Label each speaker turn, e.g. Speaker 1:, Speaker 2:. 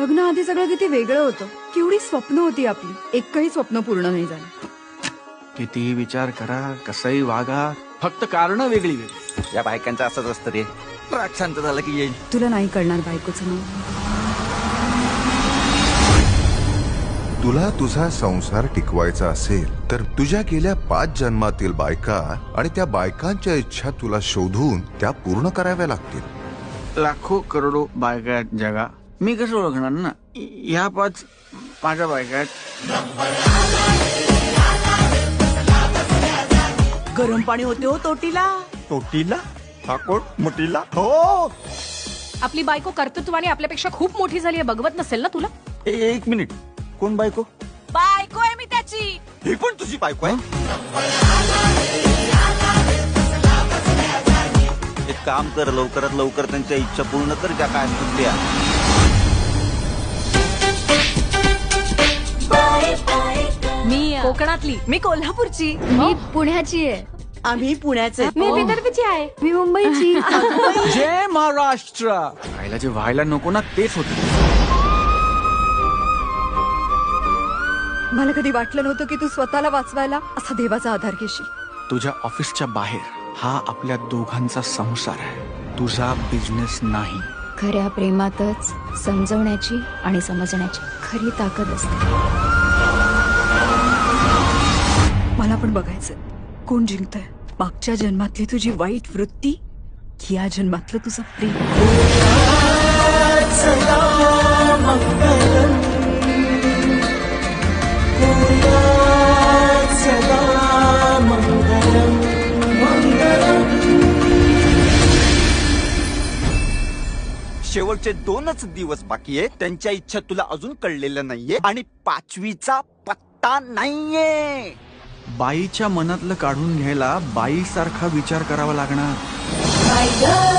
Speaker 1: लग्नाआधी सगळं किती वेगळं होतं. केवढी स्वप्न होती आपली, एकही स्वप्न पूर्ण नाही झालं.
Speaker 2: कितीही विचार करा, कसंही वागा, फक्त कारण वेगळी वेगळी.
Speaker 3: या बायकांचं असंच असतं रे. राग शांत झाला की येईल.
Speaker 1: तुला नाही कळणार बायकोचं नाव.
Speaker 4: तुला तुझा संसार टिकवायचा असेल तर तुझ्या गेल्या 5 जन्मातील बायका आणि त्या बायकांच्या इच्छा तुला शोधून त्या पूर्ण कराव्या लागतील.
Speaker 2: लाखो करोडो बायका आहेत जगा, मी कसं ओळखणार ना? ह्या 5 माझ्या बायका आहेत.
Speaker 5: गरम पाणी होते हो तोटीला.
Speaker 3: तोटीला हा कोण मोठीला? हो.
Speaker 6: आपली बायको कर्तृत्वाने आपल्यापेक्षा खूप मोठी झाली आहे, बघवत नसेल ना तुला?
Speaker 3: एक मिनिट, कोण बायको?
Speaker 5: बायको आहे मी त्याची.
Speaker 3: ही पण तुझी बायको आहे? एक काम कर, लवकरात लवकर त्यांच्या इच्छा पूर्ण कर, ज्या काय असतील त्या.
Speaker 6: मी कोकणातली.
Speaker 5: मी कोल्हापूरची.
Speaker 1: मी पुण्याची आहे.
Speaker 5: आम्ही पुण्याचे.
Speaker 6: मी विदर्भची आहे.
Speaker 1: मी मुंबईची.
Speaker 2: जय महाराष्ट्र. व्हायला जे व्हायला नको ना तेच होत.
Speaker 1: मला कधी वाटलं नव्हतं की तू स्वतःला वाचवायला असा देवाचा आधार घेशील.
Speaker 2: तुझ्या ऑफिसच्या बाहेर हा आपल्या दोघांचा संसार आहे, तुझा बिझनेस नाही.
Speaker 7: खऱ्या प्रेमातच समजवण्याची आणि समजण्याची खरी ताकद असते.
Speaker 1: मला पण बघायचंय कोण जिंकतंय, मागच्या जन्मातली तुझी वाईट वृत्ती की या जन्मातलं तुझं प्रेम.
Speaker 3: शेवटचे 2च दिवस बाकी आहे. त्यांच्या इच्छा तुला अजून कळलेल्या नाहीये आणि 5वीचा पत्ता नाहीये.
Speaker 2: बाईच्या मनातलं काढून घ्यायला बाईसारखा विचार करावा लागणार.